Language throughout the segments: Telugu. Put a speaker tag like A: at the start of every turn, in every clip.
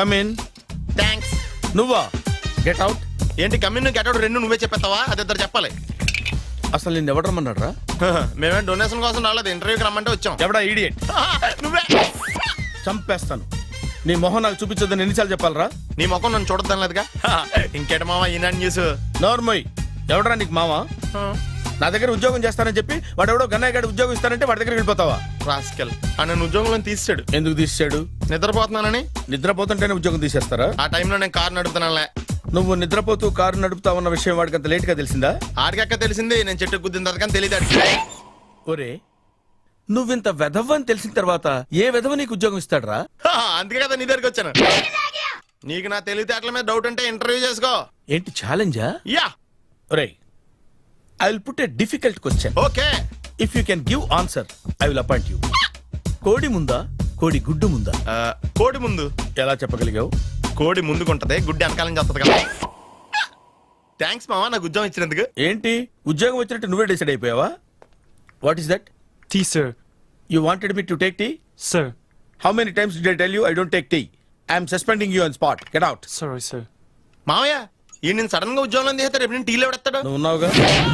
A: Come in.
B: థ్యాంక్స్.
A: నువ్వా? Get out.
B: ఏంటి కమ్యూన్ గెట్ అవుట్ రెండు నువ్వే చెప్పేస్తావా? అది ఇద్దరు చెప్పాలి.
A: అసలు నిన్ను ఎవడు రమ్మన్నాడు రా?
B: మేమేం డొనేషన్ కోసం రాలేదు, ఇంటర్వ్యూకి రమ్మంటే వచ్చాం.
A: ఎవడా ఈడియట్?
B: నువ్వే.
A: చంపేస్తాను. నీ మొహం నాకు చూపించొద్దని ఎన్నిసార్లు చెప్పాలరా?
B: నీ ముఖం నన్ను చూడద్దనలేదుగా. ఇంకేట మామ ఈనాడు న్యూస్.
A: నోర్మోయ్. ఎవడరా నీకు మావా? నా దగ్గర ఉద్యోగం చేస్తానని చెప్పి వాడెవడో గన్నయ్య గారి ఉద్యోగం ఇస్తానంటే వాడి దగ్గర వెళ్ళిపోతావా?
B: రాస్కెల్. నన్ను ఉద్యోగంలో తీసాడు.
A: ఎందుకు తీసాడు?
B: నిద్రపోతున్నానని.
A: నిద్రపోతుంటేనే ఉద్యోగం తీసేస్తారా?
B: ఆ టైంలో నేను కారు నడుపుతున్నానులే.
A: నువ్వు నిద్రపోతూ కారు నడుపుతావన్న విషయం వాడికి అంత లేట్ గా తెలిసిందా?
B: ఆడికక్క తెలిసింది, నేను చెట్టు గుద్దిన తర్వాత కానీ తెలియదు.
A: ఒరే, నువ్వింత వెధవని తెలిసిన తర్వాత ఏ వెధవ నీకు ఉద్యోగం ఇస్తాడరా?
B: అందుకే కదా నీ దగ్గరికి వచ్చాను. నీకు నా తెలివితేటల మీద డౌట్ అంటే ఇంటర్వ్యూ చేసుకో.
A: ఏంటి ఛాలెంజా?
B: యా.
A: ఒరే, I will put a difficult question.
B: Okay.
A: If you can give answer I will appoint you. కోడి ముందా, కోడి గుడ్డు ముందా?
B: కోడి ముందు.
A: ఎలా చెప్పగలిగావు?
B: కోడి ముందుకుంటది, గుడ్డి వెనకాలం చేస్తుంది కదా. థ్యాంక్స్ మామా నాకు ఉద్యోగం ఇచ్చినందుకు.
A: ఏంటి ఉద్యోగం వచ్చినట్టు నువ్వే డిసైడ్ అయిపోయావా? What is that?
C: Tea, sir.
A: You wanted me to take tea?
C: Sir.
A: How many times did I tell you I don't take tea? I am suspending you on spot. Get out.
C: Sorry, sir.
B: మామయ్య ఈ నేను సడన్ గా ఉద్యోగంలో తీస్తాడు. రేపు నేను టీలో పెడతాడు.
A: నువ్వు ఉన్నావుగా.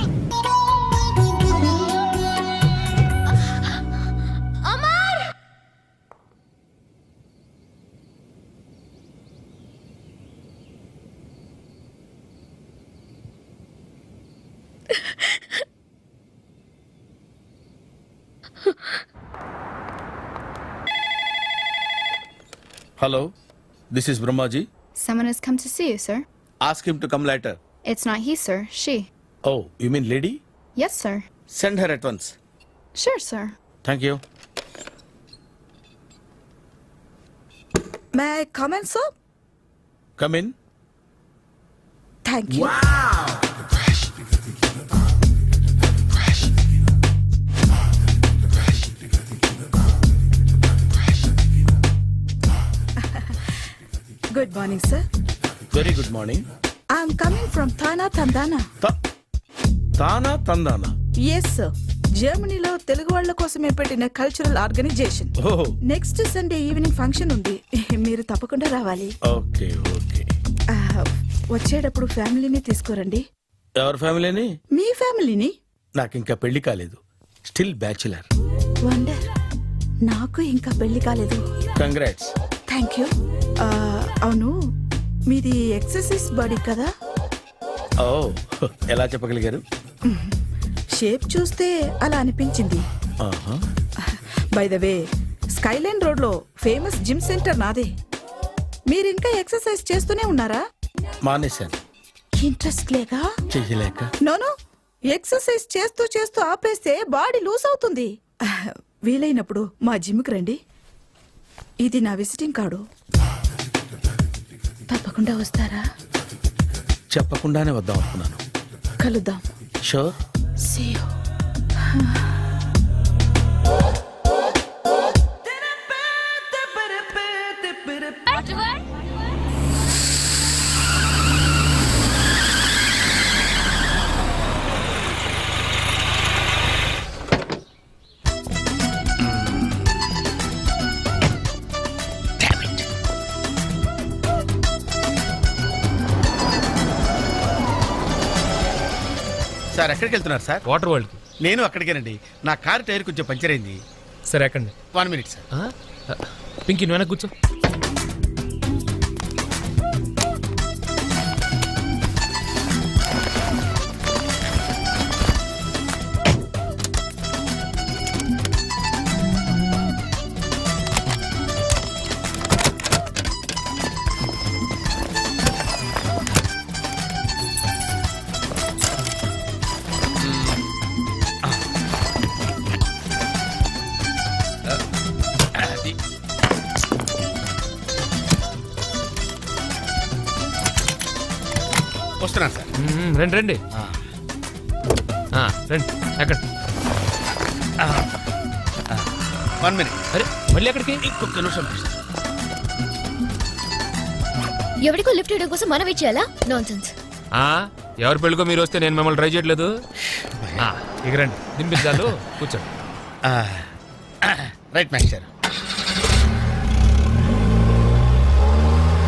A: Hello, this is Brahmaji.
D: Someone has come to see you, sir.
A: Ask him to come later.
D: It's not he, sir. She.
A: Oh, you mean lady?
D: Yes, sir.
A: Send her at once.
D: Sure, sir.
A: Thank you.
E: May I come in, sir?
A: Come in.
E: Thank you. Good morning, sir.
A: Very good morning.
E: I'm coming from Thana, Tandana.
A: తానా తందానా?
E: Yes, sir. జర్మనీలో తెలుగు వాళ్ళ కోసమే పెట్టిన కల్చరల్ ఆర్గనైజేషన్.
A: ఓహో.
E: నెక్స్ట్ సండే ఈవినింగ్ ఫంక్షన్ ఉంది, మీరు తప్పకుండా రావాలి.
A: Okay okay.
E: వచ్చేటప్పుడు ఫ్యామిలీని తీసుకురండి.
A: ఎవరి ఫ్యామిలీని?
E: మీ ఫ్యామిలీని.
A: నాకు ఇంకా పెళ్లి కాలేదు. Still bachelor.
E: వండర్. నాకు ఇంకా పెళ్లి కాలేదు.
A: కంగ్రాట్స్.
E: Thank you. అవును, మీది ఎక్సర్సైజ్ బాడీ కదా?
A: ఓ, ఎలా చెప్పగలిగారు?
E: షేప్ చూస్తే అలా అనిపించింది. By the way, skyline road లో ఫేమస్ జిమ్ సెంటర్ నాదే. మీరు ఇంకా ఎక్సర్సైజ్ చేస్తూనే ఉన్నారా?
A: మానేశాను.
E: ఇంట్రెస్ట్ లేక?
A: చెయ్యలేక.
E: నోను, ఎక్సర్సైజ్ చేస్తూ చేస్తూ ఆపేస్తే బాడీ లూజ్ అవుతుంది. వీలైనప్పుడు మా జిమ్కి రండి. ఇది నా విజిటింగ్ కార్డు. తప్పకుండా వస్తారా?
A: చెప్పకుండానే వద్దాం అనుకున్నాను.
E: కలుద్దాం.
A: షూర్.
E: See you.
A: సార్ ఎక్కడికి వెళ్తున్నారు సార్?
C: Water world.
A: నేను అక్కడికేనండి. నా కారు టైర్ కొంచెం పంచర్ అయింది.
C: సరే ఎక్కండి.
A: 1 minute సార్.
C: పింకీ నువ్వు వెనక్కి కూర్చో.
A: వస్తున్నాను సార్.
C: రండి రండి. రండి ఎక్కండి.
A: 1 minute.
C: అరే మళ్ళీ ఎక్కడికి?
A: ఇంకొక నిమిషం.
D: ఎవరికో లిఫ్ట్ ఇవ్వడం కోసం మనం ఇచ్చేయాలా? నాన్సెన్స్.
C: ఎవరి పెళ్ళికో మీరు వస్తే నేను మిమ్మల్ని ట్రై చేయట్లేదు. ఇక రండి, దింపించాలు, కూర్చోండి.
A: Right master.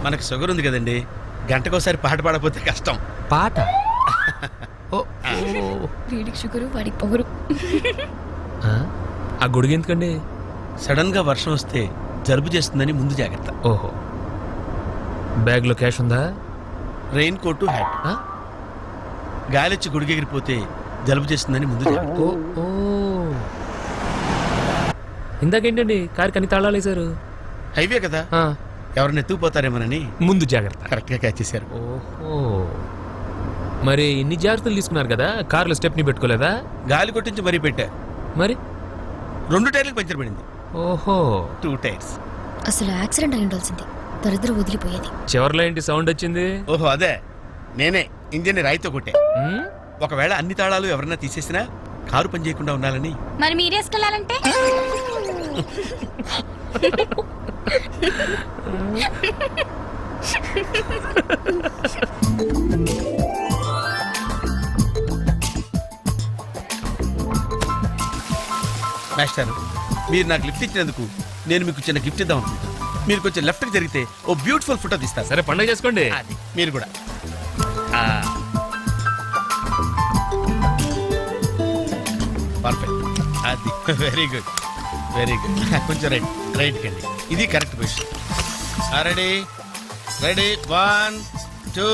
A: మనకు షుగర్ ఉంది కదండి, గంటకోసారి పాట పాడకపోతే కష్టం.
C: పాట ఓ
D: వీడికి షుగరు వాడికి పొగరు.
C: ఆ? ఆ గొడుగు ఎందుకండి?
A: సడన్ గా వర్షం వస్తే జలుబు చేస్తుందని ముందు జాగ్రత్త.
C: ఓహో, బ్యాగ్లో క్యాష్ ఉందా?
A: Rain coat, hat.
C: ఆ?
A: గాలిచ్చి గుడిగెగిరిపోతే జలుబు చేస్తుందని ముందు జాగ్రత్త.
C: ఓ ఓ ఇందాకేంటండి కారు కని తాళాలు వేశారు?
A: హైవే కదా,
C: ఆ,
A: ఎవరిని ఎత్తుకుపోతారేమోనని
C: ముందు జాగ్రత్త.
A: కరెక్ట్ గా క్యాచ్ చేశారు.
C: ఓహో, మరి ఇన్ని జాగ్రత్తలు తీసుకున్నారు కదా, కారులో స్టెప్ని పెట్టుకోలేదా?
A: గాలి కొట్టించి మరీ పెట్టా.
C: మరి
A: 2 టైర్లకు పంచర్ పడింది.
C: ఓహో,
A: 2 టైర్స్.
D: అసలు యాక్సిడెంట్ అయి ఉండాల్సింది, దరిద్ర వదిలిపోయేది.
C: చివర్లో ఏంటి సౌండ్ వచ్చింది?
A: ఓహో అదే, నేనే ఇంజిన్ రాయితో కొట్టే.
C: ఉమ్,
A: ఒకవేళ అన్ని తాళాలు ఎవరన్నా తీసేసినా కారు పని చేయకుండా ఉండాలని.
F: మరి మీరేసుకెళ్ళాలంటే
A: మాస్టర్, మీరు నాకు లిఫ్ట్ ఇచ్చినందుకు నేను మీకు చిన్న గిఫ్ట్ ఇద్దాం అనుకుంటున్నాను. మీరు కొంచెం లెఫ్ట్కి జరిగితే ఓ బ్యూటిఫుల్ ఫోటో తీస్తారు.
C: సరే పండగ చేసుకోండి.
A: అది మీరు కూడా. పర్ఫెక్ట్, అది వెరీ గుడ్, వెరీ గుడ్. కొంచెం రైట్ కండి, ఇది కరెక్ట్ పొజిషన్. Ready ready, 1 2.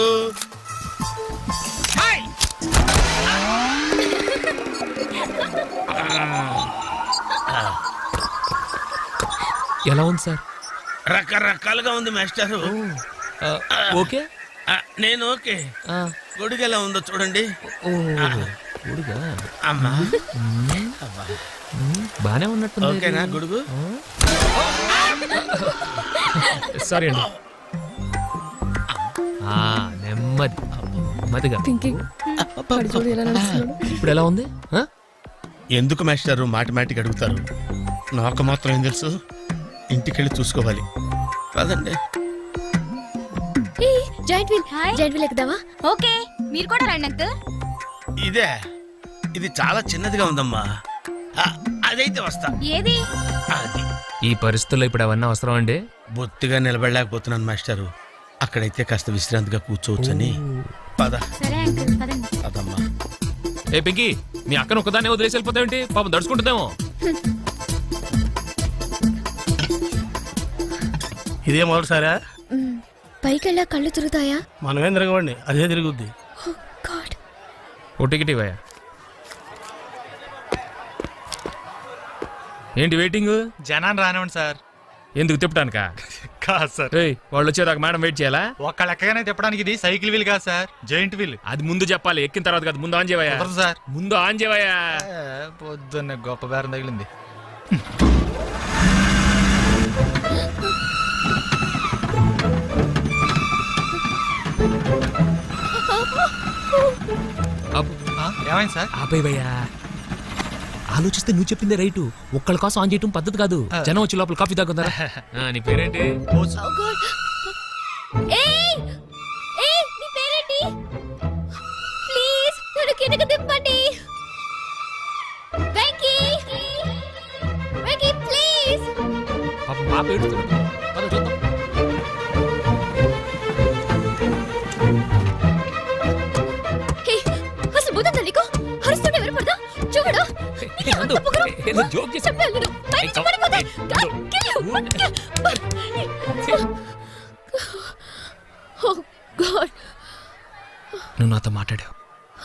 C: ఎలా ఉంది సార్?
A: రకరకాలుగా ఉంది మాస్టారు.
C: ఆ, ఓకే.
A: నేను ఓకే.
C: ఆ,
A: గొడుగు ఎలా ఉందో చూడండి.
C: ఓ, గొడుగా?
A: అమ్మా
C: బానే ఉన్నట్టుంది.
A: ఓకేనా గొడుగు?
C: సారీ అండి. ఆ, నెమ్మది నెమ్మదిగా. ఇప్పుడు ఎలా ఉంది? ఆ?
A: ఎందుకు మాస్టారు మాటిమాటికి అడుగుతారు? నాకు మాత్రం ఏం తెలుసు, ఇంటికెళ్ళి చూసుకోవాలి. కాదండి,
D: joint wheel,
F: hi.
D: Joint wheel ఎక్కుదావా?
F: ఓకే, మీరు కూడా రండి అంకుల్.
A: ఇదే, ఇది చాలా చిన్నదిగా ఉందమ్మా. అదైతే వస్తా.
F: ఏది?
A: అది
C: ఈ పరిస్థితుల్లో ఇప్పుడు అవన్నీ అవసరం అండి?
A: బొత్తిగా నిలబడలేకపోతున్నాను మాస్టారు. అక్కడైతే కాస్త విశ్రాంతిగా కూర్చోవచ్చని. పద
F: సరే అంకుల్, పదండి.
A: పదమ్మా.
C: ఏ పింకీ, మీ అక్కను ఒక్కదాన్ని వదిలేసి వెళ్ళిపోతావేంటి? పాపం దడుచుకుంటుందేమో.
G: ఇదే మొదటిసారా?
D: పైకెళ్ళా కళ్ళు తిరుగుతాయా?
G: మనమేం తిరగవండి, అదే తిరుగుద్ది.
D: Oh God.
C: ఓ టికెట్ ఇవ్వయా. ఏంటి వెయిటింగ్?
H: జనాన్ని రానివ్వండి సార్.
C: ఎందుకు తిప్పటానికా?
H: కాదు సార్,
C: ఏయ్, వాళ్ళు వచ్చేదాకా మేడం వెయిట్ చేయాలా?
H: ఒక్క లెక్కగానే తిప్పడానికి ఇది సైకిల్ వీల్ కాదు సార్, జాయింట్ వీల్.
C: అది ముందు చెప్పాలి, ఎక్కిన తర్వాత కాదు. ముందు ఆన్ చేయవయ్యా.
H: కుదరదు సార్.
C: ముందు ఆన్ చేయవయ్యా.
H: పొద్దున్న గొప్ప బేరం తగిలింది.
C: అబ్బో,
H: ఏమైంది సార్?
C: ఆపేవయ్యా. ఆలోచిస్తే నువ్వు చెప్పిందే రైటు. ఒక్కళ్ళ కోసం ఆన్ చేయటం పద్ధతి కాదు. జనం వచ్చి లోపల కాఫీ తాగుతారా? నీ పేరేంటి?
D: Oh God. ఏయ్! ఏయ్, నీ పేరేంటి? ప్లీజ్ నన్ను కిందకి దింపండి. వెంకీ! వెంకీ ప్లీజ్.
C: పాపం పాప ఏడుస్తుంది. పద చూద్దాం.
D: హే, అసలు బుద్ధుందా నీకు? అరుస్తుంటే ఎవరు పడదా? చూడు.
C: ఏ, నందు, ఏ, నువ్వు జోక్ చేసావు.
D: చెప్పాను నేను. పైనుంచి పడిపోతా. God, kill you. Oh God.
C: నువ్వు నాతో మాట్లాడావు.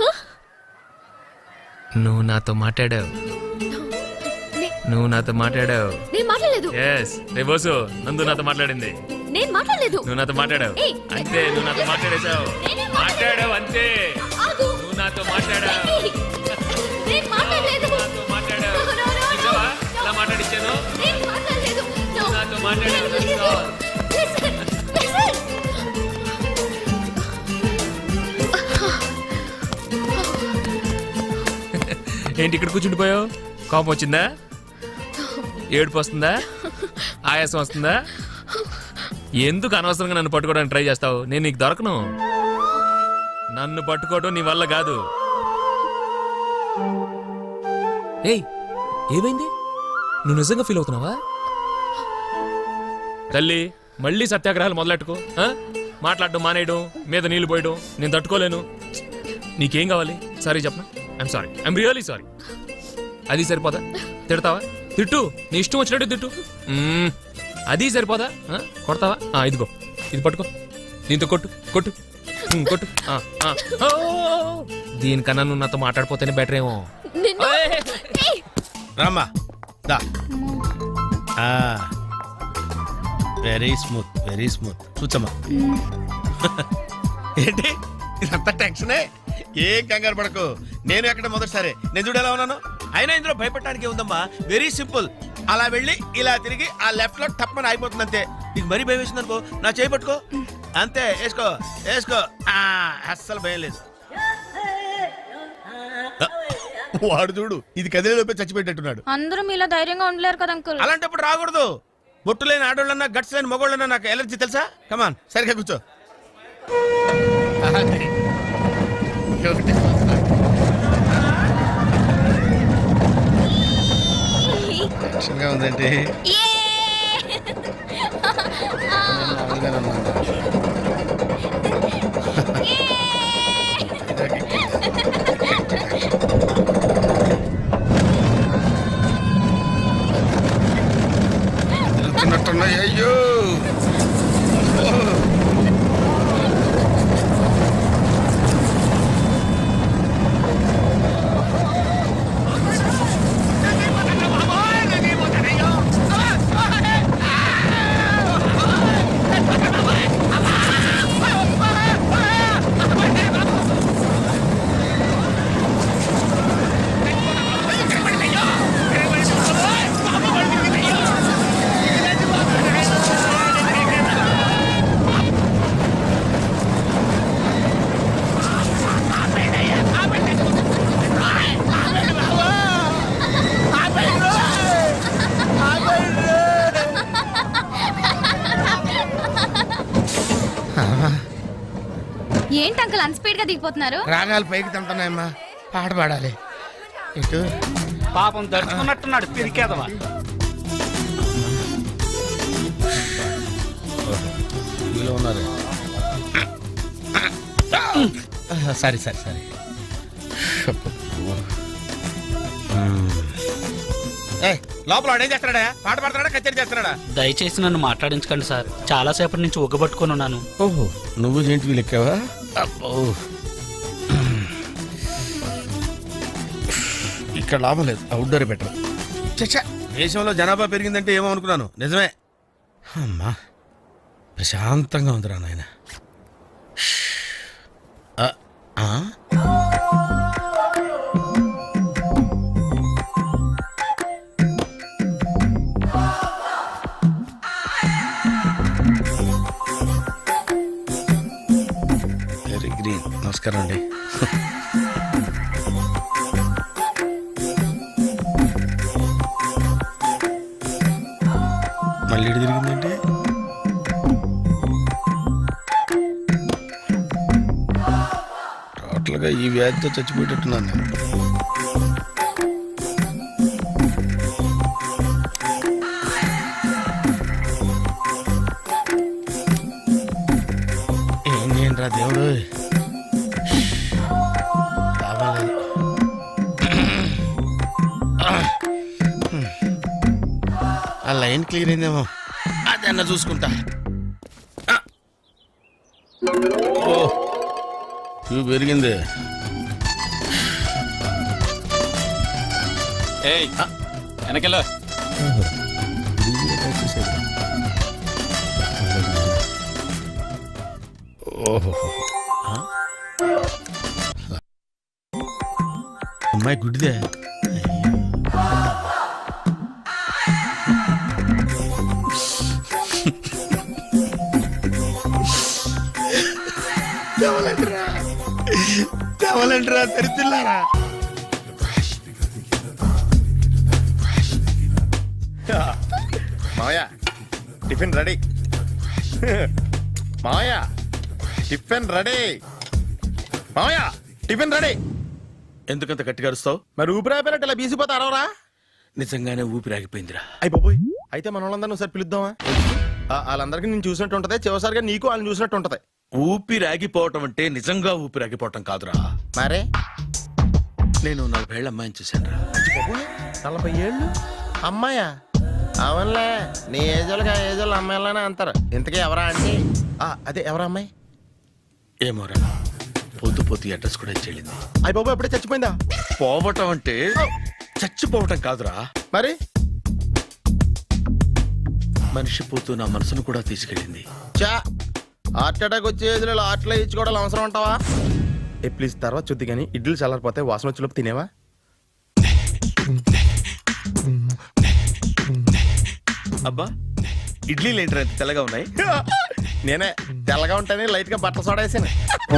C: నువ్వు నాతో మాట్లాడావు. నువ్వు నాతో మాట్లాడావు.
D: నేను మాట్లాడలేదు.
C: ఎస్, రే బోసు, నందు నాతో మాట్లాడింది.
D: నేను మాట్లాడలేదు.
C: నువ్వు నాతో మాట్లాడావు.
D: ఏయ్,
C: అంతే, నువ్వు నాతో మాట్లాడేశావు.
D: నేనే
C: మాట్లాడావు అంతే.
D: ఆగు.
C: నువ్వు నాతో మాట్లాడావు.
D: వెంకీ, నేను మాట్లాడలేదు.
C: నాతో మాట్లాడావు.
D: No, no, no, no.
C: చూసావా? ఇలా మాట్లాడిచ్చాను.
D: నేను మాట్లాడలేదు. No.
C: నువ్వు నాతో మాట్లాడావు.
D: Listen, listen, listen.
C: ఏంటి ఇక్కడ కూర్చుండిపోయావు? కోపం వచ్చిందా? ఏడుపు వస్తుందా? ఆయాసం వస్తుందా? ఎందుకు అనవసరంగా నన్ను పట్టుకోవడానికి ట్రై చేస్తావు? నేను నీకు దొరకను. నన్ను పట్టుకోవడం నీ వల్ల కాదు. ఏయ్, ఏమైంది? నువ్వు నిజంగా ఫీల్ అవుతున్నావా? తల్లి, మళ్ళీ సత్యాగ్రహాలు మొదలెట్టుకో ఆ? మాట్లాడడం మానేయడం మీద నీళ్లు పోయడం నేను తట్టుకోలేను. నీకేం కావాలి? సారీ చెప్పనా? I'm sorry, I'm really sorry. అది సరిపోదా? తిడతావా? తిట్టు, నీ ఇష్టం వచ్చినట్టు తిట్టు. అది సరిపోదా? కొడతావా? ఇదిగో ఇది పట్టుకో, దీంతో కొట్టు కొట్టు కొట్టు. ఓ! దీనికన్నా నువ్వు నాతో మాట్లాడిపోతేనే బెటర్ ఏమో.
D: నిన్ను ఏయ్!
A: రామ్మా దా. Very smooth, very smooth. కూర్చోమ్మా. ఏంటి ఇదంతా టెన్షనే? ఏం కంగారు పడకు. నేను ఎక్కడ మొదటిసారి నేను చూడు ఎలా ఉన్నాను. అయినా ఇందులో భయపడటానికి ఉందమ్మా. Very simple. అలా వెళ్ళి ఇలా తిరిగి ఆ లెఫ్ట్ లో టప్మని అయిపోతుంది అంతే. నీకు మరీ భయం వేసింది అనుకో, నా చేయి పట్టుకో అంతే. వేసుకో వేసుకో. అస్సలు భయం లేదు. వాడు చూడు, ఇది కదిలేలోపే చచ్చిపెట్టేట్టున్నాడు.
F: అందరూ మీలో ధైర్యంగా ఉండలేరు కదా అంకుల్.
A: అలాంటప్పుడు రాకూడదు. బొట్టు లేని ఆడోళ్ళన్నా గట్స్ లేని మగోళ్ళన్నా నాకు ఎలర్జీ తెలుసా. కమాన్ సరిగ్గా కూర్చో. టెన్షన్గా ఉందంటే తిరుగుతున్నట్టున్నాయి. అయ్యో
F: ఏంటి అంకుల్ అంత స్పీడ్ గా దిగిపోతున్నారు?
A: రాగాలు పైకి తింటున్నాయమ్మా, పాట పాడాలి. ఇటు
G: పాపం దడుచుకున్నట్టున్నాడు పిరికేదవా.
A: ఉన్నారు. సరే సరే సరే. లోపల వాడు ఏం చేస్తున్నాడా? పాట పాడుతున్నాడా, కచేరీ చేస్తున్నాడా?
I: దయచేసి నన్ను మాట్లాడించకండి సార్. చాలా సేపటి నుంచి ఉగ్గబట్టుకొని ఉన్నాను.
A: ఓహో, నువ్వు జేంటి లెక్కావా? అబ్బో, ఇక్కడ లాభం లేదు. Outdoor better. చచ్చా, దేశంలో జనాభా పెరిగిందంటే ఏమో అనుకున్నాను. నిజమే. అమ్మా ప్రశాంతంగా ఉందిరా నాయన. Very green. నమస్కారం అండి. మళ్ళీ ఇటు తిరిగిందంటే టోటల్గా ఈ వ్యాధితో చచ్చిపోయేటట్టున్నాను నేను. ఏం చేయండి రా దేవుడు, కావాలేదు. ఆ లైన్ క్లియర్ అయిందేమో, అదన్నా చూసుకుంటా. ఓ, ఇవి పెరిగింది.
I: వెనకెళ్ళ
A: ఓహో, అమ్మాయి గుడ్డిదే. కావాలంటారా తెరిచిల్లారా?
B: మావయ్య టిఫిన్ రెడీ. మావయ్య టిఫిన్ రెడీ. మావయ్య టిఫిన్ రెడీ.
A: ఎందుకంత గట్టిగా అరుస్తావు?
B: మరి ఊపిరాయిపోయినట్టు ఇలా బీసిపోతే అరవరా?
A: నిజంగానే ఊపిరాగిపోయిందిరా.
B: అయిపోయి అయితే మన వాళ్ళందరినీ ఒకసారి పిలుద్దామా? వాళ్ళందరికీ నేను చూసినట్టు ఉంటది, చివరిసారిగా నీకు వాళ్ళని చూసినట్టు ఉంటది.
A: ఊపిరాగిపోవటం అంటే నిజంగా ఊపిరాగిపోవటం కాదురా.
B: మరే
A: నేను 40 ఏళ్ళ అమ్మాయిని చూశాను రా.
B: 40 ఏళ్ళు అమ్మాయా? అవునులే, నీ ఏజోళ్ళకి ఆ ఏజోళ్ళు అమ్మాయిలానే అంటారు. ఇంతకీ ఎవరా అంటే అదే ఎవరా అమ్మాయి?
A: ఏమోరా, పోతూ పోతూ అడ్రస్ కూడా ఇచ్చేళ్ళింది.
B: అయ్య బాబు ఎప్పుడే చచ్చిపోయిందా?
A: పోవటం అంటే చచ్చిపోవటం కాదురా,
B: మరి
A: మనిషి పోతూ నా మనసును కూడా తీసుకెళ్ళింది.
B: చా హార్ట్ అటాక్ వచ్చే ఏజ్లో హార్ట్లో ఇచ్చుకోవడం అవసరం ఉంటావా? ప్లీజ్ తర్వాత చూద్ది కానీ ఇడ్లీ చల్లారిపోతే వాసన వచ్చేలోపు తినేవా?
A: అబ్బా, ఇడ్లీలు ఏంట్రా ఇంత తెల్లగా ఉన్నాయి?
B: నేనే తెల్లగా ఉంటానే లైట్ గా బట్టలు సోడేసాను.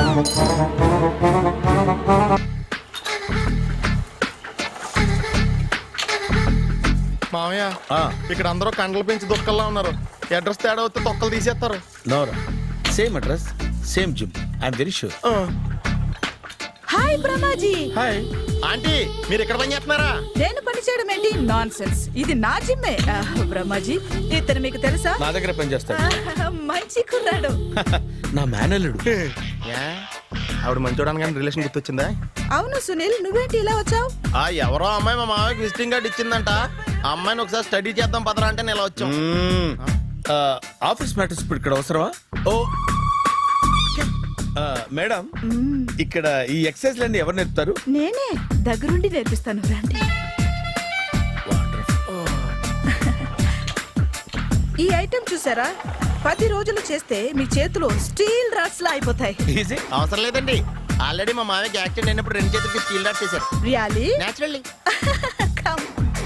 B: మామయ్య, ఇక్కడ అందరూ కండలు పెంచి దుక్కల్లా ఉన్నారు. అడ్రస్ తేడా వస్తే తొక్కలు తీసేస్తారు.
A: నోరా, same address, same gym. I'm very sure.
E: Hi Brahmaji.
B: Hi aunty, మీరు ఇక్కడ పని చేస్తున్నారా?
E: నేను పని చేయడం ఏంటి? Nonsense. ఇది నా జిమ్మే. బ్రహ్మాజీ, ఇతను మీకు తెలుసా?
A: నా దగ్గర పని చేస్తాడు.
E: మంచి కుర్రాడు.
A: నా మేనల్లుడు.
B: ఆవిడ మంచోడానికి కానీ రిలేషన్ గుర్తొచ్చిందా?
E: అవును సునీల్, నువ్వేంటి ఇలా వచ్చావు?
B: ఎవరో అమ్మాయి మా మామయ్యకి విజిటింగ్ కార్డు ఇచ్చిందంట. ఆ అమ్మాయిని ఒకసారి స్టడీ చేద్దాం పదరా అంటే నేను ఇలా వచ్చాం.
A: ఆఫీస్ మ్యాటర్స్ ఇప్పుడు ఇక్కడ అవసరమా? ఓ మేడం, ఇక్కడ ఈ ఎక్సర్సైజ్ లన్నీ ఎవరు నేర్పుతారు?
E: నేనే దగ్గరుండి నేర్పిస్తాను, రండి. ఈ ఐటెం చూసారా? 10 రోజులు చేస్తే మీ చేతులు స్టీల్ రాట్స్ లా అయిపోతాయి.
A: ఈజీ.
B: అవసరం లేదండి, ఆల్రెడీ మా మామయ్యకి యాక్సిడెంట్ అయినప్పుడు 2 చేతులకి స్టీల్ డాట్ చేశారు.
E: రియాలీ?
B: నేచురల్లీ.
E: Come.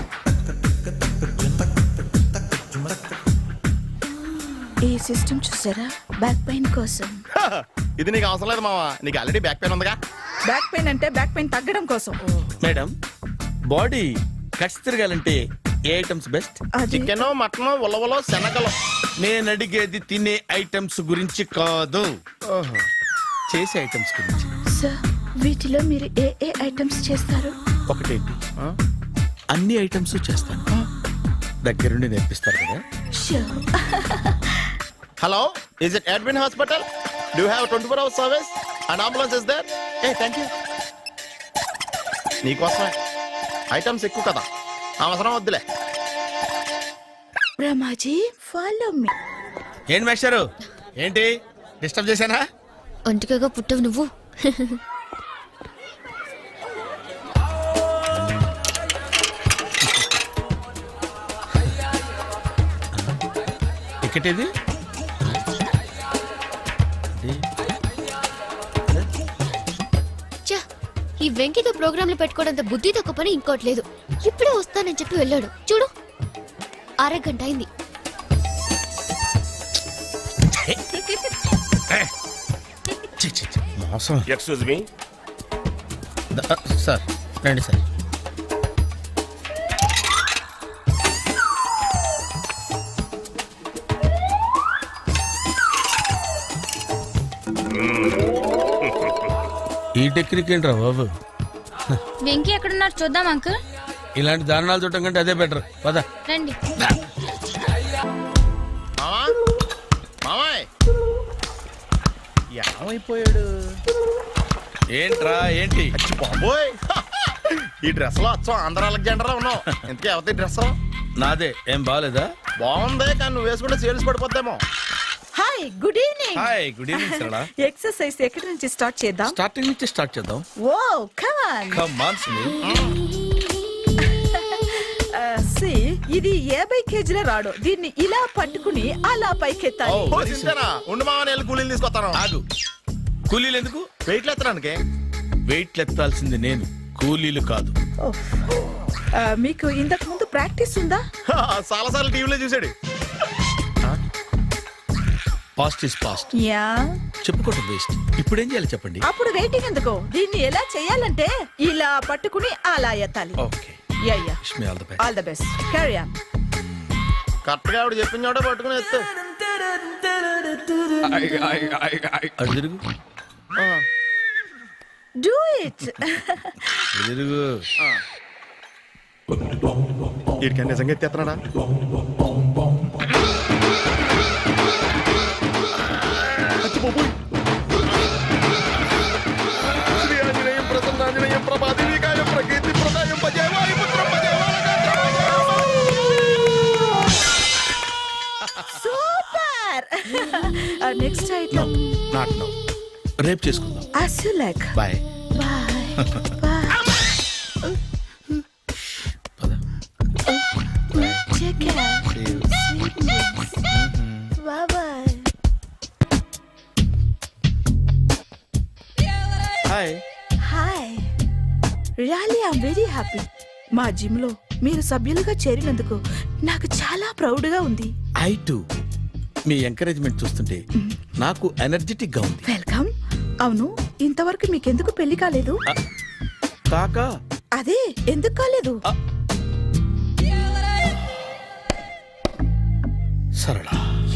E: ఈ సిస్టమ్ చూసారా? బ్యాక్ పెయిన్ కోసం.
B: ఇది నీకు అవసరం లేదు మావా, నీకు ఆల్రెడీ బ్యాక్ పెయిన్ ఉందిగా.
E: బ్యాక్ పెయిన్ అంటే బ్యాక్ పెయిన్ తగ్గడం కోసం.
A: మేడం, బాడీ కట్స్ తిరగాలంటే ఏ ఐటమ్స్ బెస్ట్?
E: అది
B: చికెన్, మటన్, ఉలవలో, శనగలు.
A: నేను అడిగేది తినే ఐటమ్స్ గురించి కాదు, చేసే ఐటమ్స్ గురించి.
E: సార్, వీటిలో మీరు ఏ ఏ ఐటమ్స్ చేస్తారు?
A: ఒకటేంటి, అన్ని ఐటమ్స్ చేస్తాను. దగ్గరుండి నేర్పిస్తారు కదా.
E: Sure.
B: Hello, is it admin hospital? Do you have 24 hours service and ambulance is there? Thank you. నీకోసమే ఐటమ్స్ ఎక్కువ కదా, అవసరం వద్దులే.
E: Brahmaji, follow me.
A: ఏంటి మేస్టారు, ఏంటి డిస్టర్బ్ చేశానా?
D: ఒంటికగా పుట్టవు నువ్వు.
A: టికెట్ ఇది?
D: ఛ, ఈ వెంకితో ప్రోగ్రాంలు పెట్టుకోవడంత బుద్ధి తక్కువ పని ఇంకోటి లేదు. ఇప్పుడే వస్తానని చెప్పి వెళ్ళాడు చూడు, అరగంట అయింది.
A: మోసం.
J: Excuse me.
A: సార్ రండి సార్. ఈ టెక్నిక్ ఏంట్రా బాబు?
F: వెంకీ ఎక్కడున్నారు చూద్దాం అంకుల్.
A: ఇలాంటి దారుణాలు చూడటం కంటే అదే బెటర్. పద
F: రండి.
B: మామాయ్
A: ఏమైపోయాడు? ఏంట్రా ఏంటి?
B: బాబోయ్, ఈ డ్రెస్ లో వచ్చాం ఆంధ్ర అలెగ్జాండర్ లో ఉన్నావు. ఇంతకీ ఎవరి డ్రెస్?
A: నాదే. ఏం బాగాలేదా?
B: బాగుంది, కానీ నువ్వు వేసుకుంటే సేల్స్ పడిపోద్దేమో.
E: Hi, good evening.
A: Hi, good evening Sarala.
E: Exercise ఎక్కడి నుంచి స్టార్ట్ చేద్దాం?
A: స్టార్టింగ్ నుంచి స్టార్ట్ చేద్దాం.
E: Oh come on.
A: Come on Sunil.
E: ఇది 50 కేజీల రాడు. దీన్ని ఇలా పట్టుకుని అలా పైకెత్తాలి.
A: Oh.
B: ఓ, చింతేనా? ఉండు మామ, నేను కూలీలు తీసుకొస్తాను.
A: ఆగు. కూలీలు ఎందుకు?
B: వెయిట్లు ఎత్తడానికి.
A: వెయిట్ ఎత్తాల్సింది నేను, కూలీలు కాదు.
E: మీకు ఇంతకు ముందు ప్రాక్టీస్ ఉందా?
B: చాలా సార్లు టీవీలో చూసాడు.
A: Past is past.
E: యా.
A: చెప్పుకోవటం వేస్ట్. ఇప్పుడు ఏం చేయాలి చెప్పండి?
E: అప్పుడు వెయిటింగ్ ఎందుకు? దీన్ని ఎలా చేయాలంటే ఇలా పట్టుకుని అలా ఎత్తాలి.
A: Okay.
E: Yeah yeah.
A: Wish me all the best.
E: All the best. Carry on.
B: Correct గా ఆవిడ చెప్పిన చోట పట్టుకుని ఎత్తు.
A: అటు తిరుగు.
E: Do it.
A: అటు తిరుగు.
B: వీడికి నిజంగా ఎత్తేస్తున్నాడా? శ్రీ ఆంజనేయం ప్రసన్నాంజనేయం ప్రభాదేవికాయం ప్రకీర్తి ప్రదాయం భజే వాయుపుత్రం భజే
E: super. Next item
A: not no, రేపు చేసుకుందాం.
E: as you like.
A: Bye.
E: Bye. Bye. Take care. Sweet dreams. Bye bye.
B: Hi.
E: Hi. Really I'm very happy. మా జిమ్ లో మీరు సభ్యులుగా చేరినందుకు నాకు చాలా ప్రౌడ్ గా ఉంది.
A: I to. మీ ఎంకరేజ్మెంట్ చూస్తుంటే నాకు ఎనర్జెటిక్ గా ఉంది.
E: వెల్కమ్. అవును, ఇంతవరకు మీకెందుకు పెళ్లి కాలేదు?
A: కాకా
E: అదే ఎందుకు కాలేదు?
A: సరళ,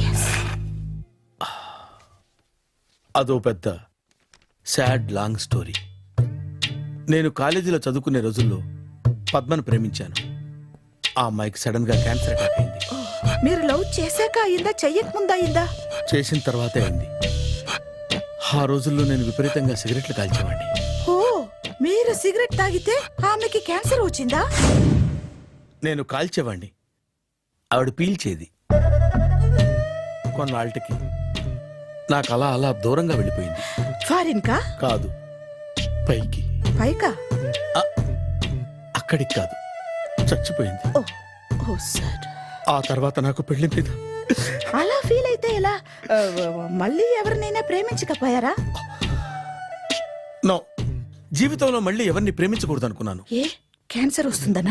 A: అదో పెద్ద సాడ్ లాంగ్ స్టోరీ. నేను కాలేజీలో చదువుకునే రోజుల్లో పద్మను ప్రేమించాను. ఆ అమ్మాయికి సడన్ గా క్యాన్సర్ అటాక్ అయింది.
E: మీరు లవ్ చేశాక అయిందా, చెయ్యక ముందా అయిందా?
A: చేసిన తర్వాతే అయింది. ఆ రోజుల్లో నేను విపరీతంగా సిగరెట్లు కాల్చేవాడిని.
E: ఓ, మీరు సిగరెట్ తాగితే ఆమెకి క్యాన్సర్ వచ్చిందా?
A: నేను కాల్చేవాడిని, ఆవిడ పీల్చేది. కొన్నాళ్ళకి నాకు అలా అలా దూరంగా వెళ్ళిపోయింది.
E: ఫారిన్ కా?
A: కాదు, పైకి.
E: పైకా?
A: అక్కడికి కాదు, చచ్చిపోయింది.
E: ఓ ఓ సార్.
A: ఆ తర్వాత నాకు పెళ్లి మీద
E: అలా ఫీల్ అయితే ఎలా? మళ్ళీ ఎవరినైనా ప్రేమించకపోయారా?
A: నో, జీవితంలో మళ్ళీ ఎవరిని ప్రేమించకూడదు అనుకున్నాను.
E: ఏ, క్యాన్సర్ వస్తుందనా?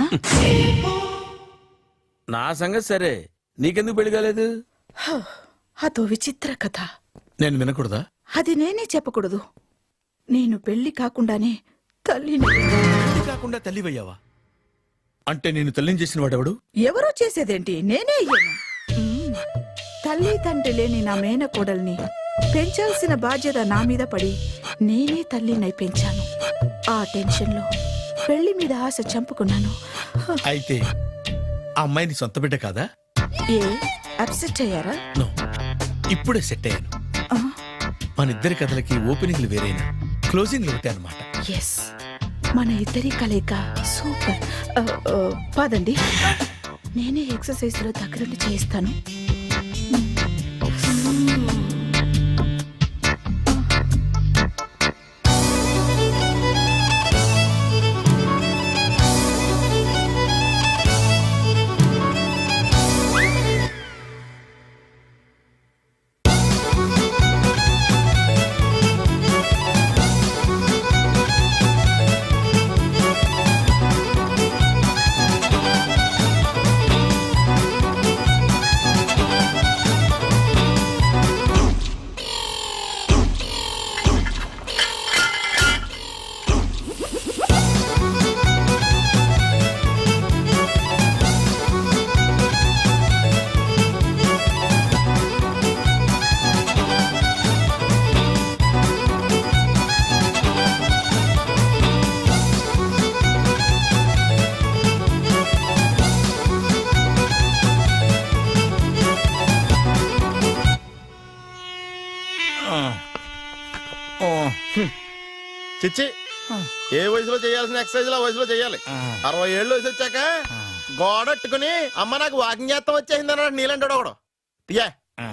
A: నా సంగతి సరే, నీకెందుకు పెళ్లి కాలేదు?
E: అదో విచిత్ర కథ.
A: నేను వినకూడదా?
E: అది నేనే చెప్పకూడదు. నేను పెళ్లి కాకుండానే తల్లిని.
A: పెళ్లి కాకుండా తల్లివయ్యావా? అంటే నేను తల్లిని చేసిన వాడెవడు?
E: ఎవరో చేసేదేంటి, నేనే అయ్యాను. తల్లి తండ్రి లేని నా మేనకోడల్ని పెంచాల్సిన బాధ్యత నా మీద పడి నేనే తల్లినై పెంచాను. ఆ టెన్షన్లో పెళ్లి మీద ఆశ చంపుకున్నాను.
A: అయితే ఆ అమ్మాయిని సొంత బిడ్డ కాదా?
E: ఏ, అప్సెట్ అయ్యారా?
A: నో, ఇప్పుడే సెట్ అయ్యాను.
E: ఆ,
A: మన ఇద్దరి కథలకి ఓపెనింగ్లు వేరైనా క్లోజింగ్లు ఒకటే అనమాట.
E: ఎస్, మన ఇద్దరి కలయిక సూపర్. పదండి, నేనే ఎక్సర్సైజ్ లో దగ్గరుండి చేయిస్తాను.
B: చిచ్చి, ఏ వయసులో చేయాల్సిన ఎక్సర్సైజ్ ఆ వయసులో చేయాలి. 60 ఏళ్ళు వయసు వచ్చాక గోడట్టుకుని అమ్మ నాకు వాకింగ్ చేస్తాం వచ్చేసింది అన్నాడు నీలంటాడు ఒకడు. యా,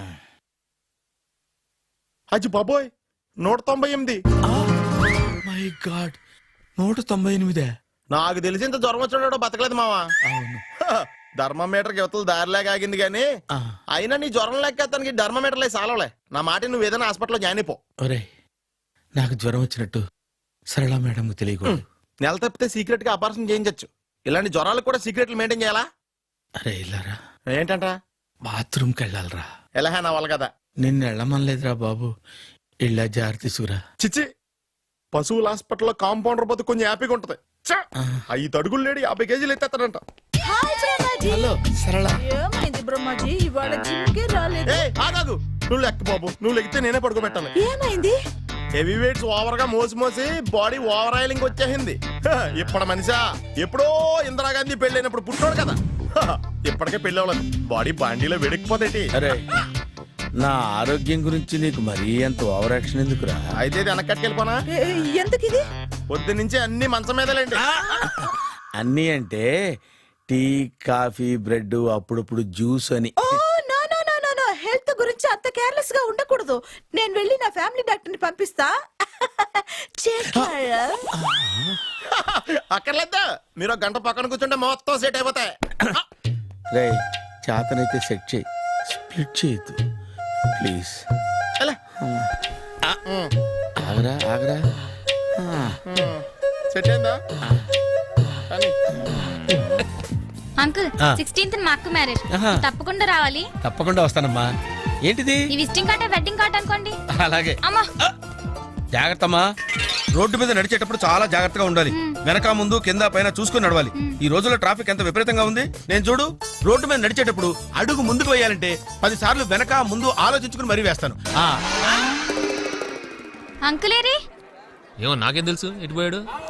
B: అజ్జి బాబోయ్, 198.
A: My god, 198.
B: నాకు తెలిసి ఇంత జ్వరం వచ్చాడు బతకలేదు మావా.
A: అవును.
B: ధర్మమీటర్ యువతలు దారిలాగా ఆగింది గానీ అయినా నీ జ్వరం లెక్క అతనికి ధర్మమీటర్లే సాలవలే. నా మాట నువ్వు ఏదైనా హాస్పిటల్లో జాయిన్ అయిపో.
A: ఒరే, నాకు జ్వరం వచ్చినట్టు సరళ మేడం తెలియకూడదు.
B: నెల తప్పితే సీక్రెట్ గా ఆపరేషన్ చేయించచ్చు. ఇలాంటి జ్వరాలకు కూడా సీక్రెట్లు మెయింటైన్ చేయాలా?
A: అరే ఇల్లారా,
B: ఏంటంట?
A: బాత్రూమ్కి వెళ్ళాలరా.
B: ఎలా నా వాళ్ళ కదా.
A: నిన్ను వెళ్ళమనలేదురా బాబు, ఇళ్ళ జారి తీసుకురా.
B: చిచ్చి, పశువుల హాస్పిటల్లో కాంపౌండర్ బతు కొంచెం హ్యాపీగా ఉంటది. 5 అడుగులు లేడి 50 కేజీలు ఎత్తేస్తాడంట.
A: హలో సరళ.
E: ఏమైంది బ్రహ్మాజీ, ఇవాళ జిమ్కే రాలేదు?
B: ఏ ఆగాగు, నువ్వు లెక్క బాబు, నువ్వు లెక్కితే నేనే పడుకోబెట్టాలి.
E: ఏమైంది?
B: హెవీ వెయిట్స్ ఓవర్ గా మోసి మోసి బాడీ ఓవర్ ఆయిలింగ్ వచ్చేసింది. ఇప్పుడు మనిషా ఎప్పుడో ఇందిరాగాంధీ పెళ్ళైనప్పుడు పుట్టాడు కదా, ఇప్పటికే పెళ్ళి అవ్వలేదు. బాడీ బాండీలో వెడికిపోతేటి.
A: అరే నా ఆరోగ్యం గురించి నీకు మరీ అంత ఓవర్ యాక్షన్ ఎందుకురా?
B: అయితే ఇది వెనకట్టుకెళ్ళిపోనా?
E: ఎందుకు ఇది?
B: పొద్దున్నుంచి అన్ని మంచం మీదలేండి.
A: అన్నీ అంటే టీ కాఫీ బ్రెడ్ అప్పుడప్పుడు జ్యూస్ అని.
E: Oh no no no no no, health గురించి అంత కేర్లెస్ గా ఉండకూడదు. నేను వెళ్ళి నా ఫ్యామిలీ డాక్టర్ ని పంపిస్తా.
B: అక్కర్లేద్దా, మీరు ఒక గంట పక్కన కూర్చుంటే మొత్తం సెట్ అయిపోతాయి.
A: రే చేతనైతే సెట్ చేయి, స్ప్లిట్ చేయొద్దు ప్లీజ్.
B: ఎలా?
A: ఆగరా ఆగరా.
B: సెట్ అయిందా? కానీ
F: అంకుల్ 16th మా అక్క మ్యారేజ్ తప్పకుండా రావాలి.
A: తప్పకుండా వస్తానమ్మా. ఏంటిది?
F: ఈ విజిటింగ్ కార్డ్ వెడ్డింగ్ కార్డ్ అనుకోండి.
A: అలాగే.
F: అమ్మా
A: జాగ్రత్తమ్మా. రోడ్డు మీద నడిచేటప్పుడు చాలా జాగ్రత్తగా ఉండాలి. వెనక ముందు కింద పైన చూసుకుని నడవాలి. ఈ రోజుల్లో ట్రాఫిక్ ఎంత విపరీతంగా ఉంది. నేను చూడు, రోడ్డు మీద నడిచేటప్పుడు అడుగు ముందుకు వేయాలంటే 10 సార్లు వెనక ముందు ఆలోచించుకుని మరీ వేస్తాను.
F: అంకుల్ ఏరి
C: ఏమో నాకేం తెలుసు ఎటు పోయాడు.